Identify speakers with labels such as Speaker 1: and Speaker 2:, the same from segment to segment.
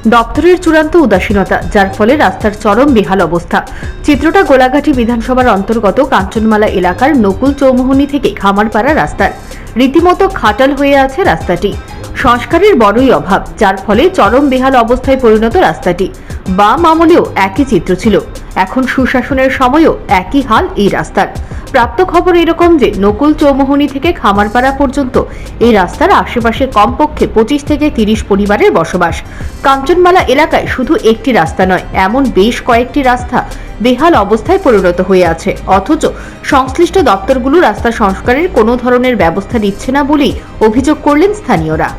Speaker 1: দপ্তরের চূড়ান্ত উদাসীনতা, যার ফলে রাস্তার চরম বেহাল অবস্থা। চিত্রটা গোলাঘাটি বিধানসভার অন্তর্গত কাঞ্চনমালা এলাকার নকুল চৌমুহনী থেকে খামারপাড়া রাস্তার। রীতিমতো খাটাল হয়ে আছে রাস্তাটি। সংস্কারের বড়ই অভাব, যার ফলে চরম বেহাল অবস্থায় পরিণত রাস্তাটি। বাম আমলেও একই চিত্র ছিল, এখন সুশাসনের সময়ও একই হাল এই রাস্তার। প্রাপ্ত খবর এরকম যে নকুল চৌমুহনী থেকে খামারপাড়া পর্যন্ত এই রাস্তার আশেপাশে কমপক্ষে 25 থেকে 30 পরিবারের বসবাস। কাঞ্চনমালা এলাকায় শুধু একটি রাস্তা নয়, এমন বেশ কয়েকটি রাস্তা বেহাল অবস্থায় পরিণত হয়ে আছে, অথচ সংশ্লিষ্ট দপ্তরগুলো রাস্তা সংস্কারের কোনো ধরনের ব্যবস্থা নিচ্ছে না বলেই অভিযোগ করলেন স্থানীয়রা।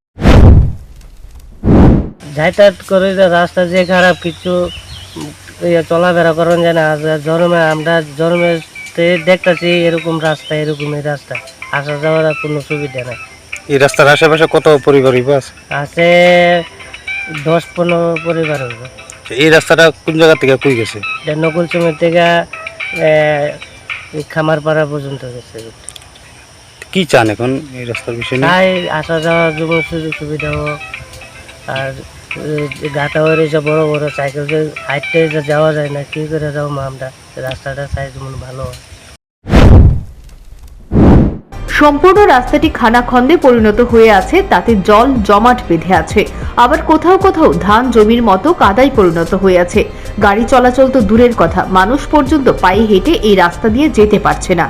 Speaker 2: যাতায়াত করে রাস্তা যে খারাপ, কিছু চলাফেরা করেন যায় না। জন্মে আমরা জন্মের দেখতেছি এরকম রাস্তা, এরকমই রাস্তা, আসা যাওয়ার কোনো সুবিধা নাই।
Speaker 3: এই রাস্তার আশেপাশে কত পরিবার
Speaker 2: আছে? 10-15 পরিবার হইব।
Speaker 3: এই রাস্তাটা কোন জায়গা থেকে কই গেছে?
Speaker 2: নকুল চৌমুহনী থেকে খামারপাড়া পর্যন্ত গেছে।
Speaker 3: কি চান এখন এই রাস্তার বিষয়ে?
Speaker 2: তাই আসা যাওয়ার জন্য সুযোগ সুবিধা হোক, আর গাটা হয়ে রয়েছে বড় বড় সাইকেল হাইটে যাওয়া যায় না, কি করে যাবো আমরা? রাস্তাটা সাইজ ভালো হয়।
Speaker 1: সম্পূর্ণ রাস্তাটি খানাখন্দে পরিণত হয়ে আছে, তাতে জল জমাট বেঁধে আছে। আবার কোথাও কোথাও ধান জমির মতো কাদায় পরিণত হয়ে আছে। গাড়ি চলাচল তো দূরের কথা, মানুষ পর্যন্ত পায়ে হেঁটে এই রাস্তা দিয়ে যেতে পারছে না।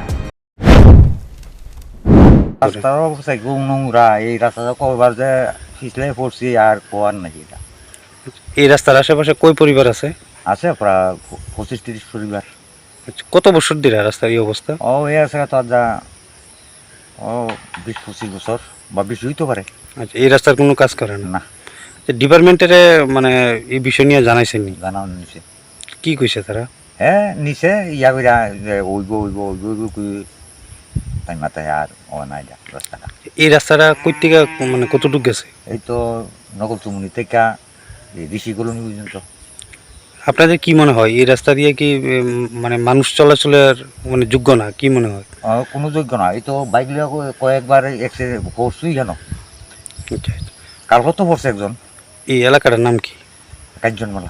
Speaker 4: রাস্তার অবস্থা খুব নোংরা। এই রাস্তাটা কবার যে পিছলে পড়ছি আর কোয়ার নাকি।
Speaker 3: এই রাস্তার আশেপাশে কই পরিবার আছে?
Speaker 4: আছে প্রায় 25-30 পরিবার।
Speaker 3: কত বছর ধরে রাস্তার এই অবস্থা?
Speaker 4: এই আছে তো যা 20-25 বছর বা বেশি হইতে পারে।
Speaker 3: আচ্ছা, এই রাস্তার কোনো কাজ করে না?
Speaker 4: না।
Speaker 3: ডিপার্টমেন্টের মানে এই বিষয় নিয়ে জানাইছেনি?
Speaker 4: জানাও নিছে।
Speaker 3: কি কইছে তারা?
Speaker 4: হ্যাঁ নিছে, ইয়া কইরা ওইব তাই মাথায় আর নাই রাস্তাটা।
Speaker 3: এই রাস্তাটা কই থেকে মানে কতটুকু গেছে?
Speaker 4: এই তো নকুল চৌমুহনী থেকে ঋষি কলোনি পর্যন্ত।
Speaker 3: আপনাদের কি মনে হয় এই রাস্তা দিয়ে কি মানে মানুষ চলাচলের মানে যোগ্য না? কি মনে হয়?
Speaker 4: কোনো যোগ্য না। এই তো বাইক লিয়া কয়েকবার অ্যাক্সিডেন্ট করছুই কেন,
Speaker 3: আচ্ছা,
Speaker 4: কালকে তো পড়ছে একজন।
Speaker 3: এই এলাকাটার নাম কি?
Speaker 4: কাঞ্চনমালা।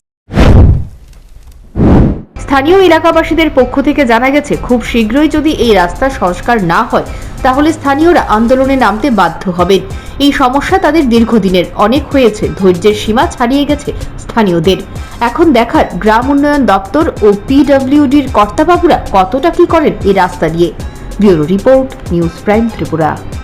Speaker 1: স্থানীয় এলাকাবাসীদের পক্ষ থেকে জানা গেছে, খুব শীঘ্রই যদি এই রাস্তা সংস্কার না হয় তাহলে স্থানীয়রা আন্দোলনে নামতে বাধ্য হবেন। এই সমস্যা তাদের দীর্ঘদিনের, অনেক হয়েছে, ধৈর্যের সীমা ছাড়িয়ে গেছে স্থানীয়দের। এখন দেখার গ্রাম উন্নয়ন দপ্তর ও পিডব্লিউডির কর্তাবাবুরা কতটা কি করেন এই রাস্তা নিয়ে। Bureau report, news prime Tripura.